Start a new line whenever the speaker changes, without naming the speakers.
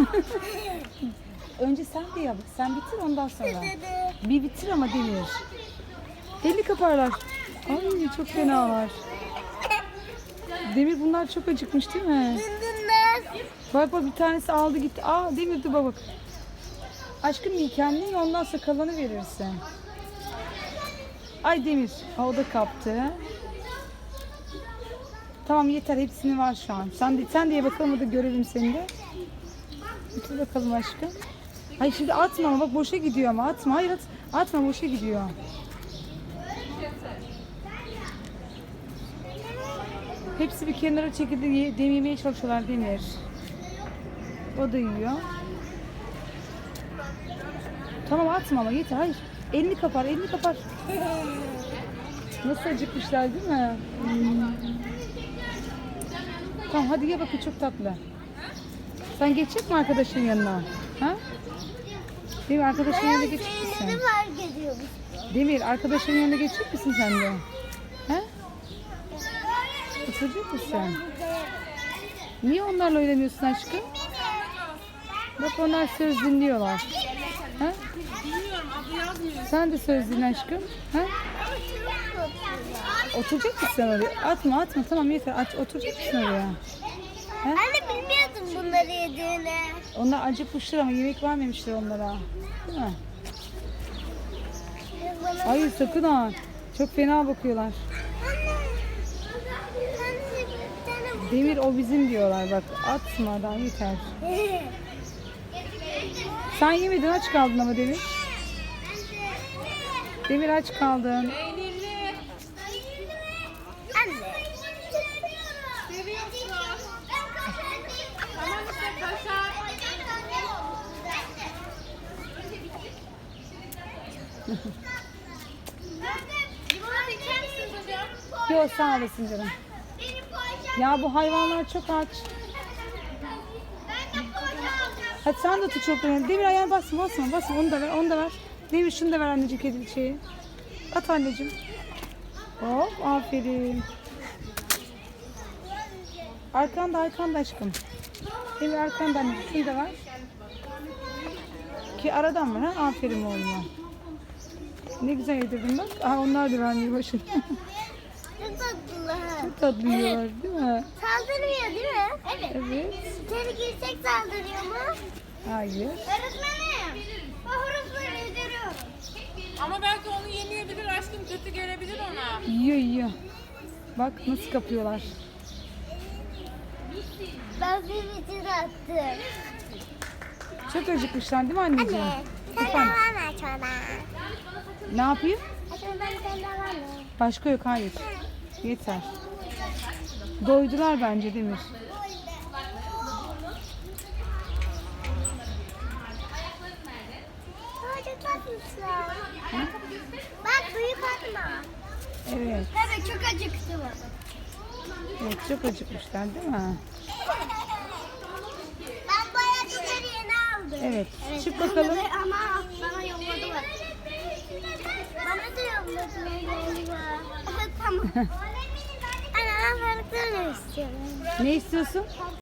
Önce sen de yap. Sen bitir ondan sonra. Bir bitir ama Demir. Deli kaparlar. Ay çok fenalar. Demir bunlar çok acıkmış değil mi? Bak bak bir tanesi aldı gitti. Aa Demir dur bak. Aşkım iyi kendin ondan sonra kalanı verirsin. Ay Demir. O da kaptı. Tamam yeter hepsini var şu an. Sen de ye bakalım hadi görelim seni de. Bitir bakalım aşkım. Ay şimdi atma ama bak boşa gidiyor ama atma. Hayır atma boşa gidiyor. Hepsi bir kenara çekildi yemeye çalışıyorlar Demir. O da yiyor. Tamam atma ama yeter hayır. Elini kapar. Nasıl acıkmışlar değil mi? Tamam hadi ye bakın çok tatlı. Sen geçecek mi arkadaşın yanına? Ha? Demir arkadaşın yanına geçecek misin? Demir arkadaşın yanına geçecek misin sen de? Ha? Oturacak mısın? Niye onlarla oynamıyorsun aşkım? Bak onlar söz dinliyorlar. Ha? Sen de söz dinle aşkım. Ha? Oturacak mısın oraya? Atma tamam yeter. Oturacak mısın oraya? Ha?
Anne bilmiyordum bunları yediğini.
Onlar acıkmışlar ama yemek vermemişler onlara. Değil mi? Hayır sakın ha. Çok fena bakıyorlar. Demir o bizim diyorlar bak. Atma daha yeter. Sen yemedin aç kaldın ama Demir. Demir aç kaldın.
Anne.
Yok sağ olasın canım. Ya bu hayvanlar çok aç. Hadi sen de tut çok önemli. Demir ayağına basma onu da ver. Demir şunu da ver anneciğim kedi şeyi. At anneciğim. Hop aferin. Arkanda aşkım. Demir arkanda anneciğim şunu da ver. Ki aradan ver ha aferin oğluma. Ne güzel yedirdin bak. Aha onlar da vermiyor başını.
Çok tatlılar.
Çok tatlı yiyorlar değil mi?
Saldırmıyor değil mi?
Evet.
İçeri girsek saldırıyor mu?
Hayır.
Öğretmenim. O hurufları yediriyorum.
Ama belki onu yemeyebilir aşkım, kötü gelebilir ona.
Yiyor. Bak nasıl kapıyorlar.
Ben bir bitir attım.
Çok acıkmışlar değil mi anneciğim?
Anne. Sen de
Efendim?
var mı çorba?
Ne yapayım?
Aslında sen de var mı?
Başka yok hayır. Yeter. Doydular bence Demir.
Çok tatlısın. Bak büyük atma.
Evet.
Evet çok acıktım.
Evet çok acıkmışlar değil mi?
Ben bu ayakkabıları yeni aldım.
Evet. Çık bakalım.
Ama bana yolladılar. Bana da yolladılar. Tamam. Anne ben balıklarını istiyorum.
Ne istiyorsun?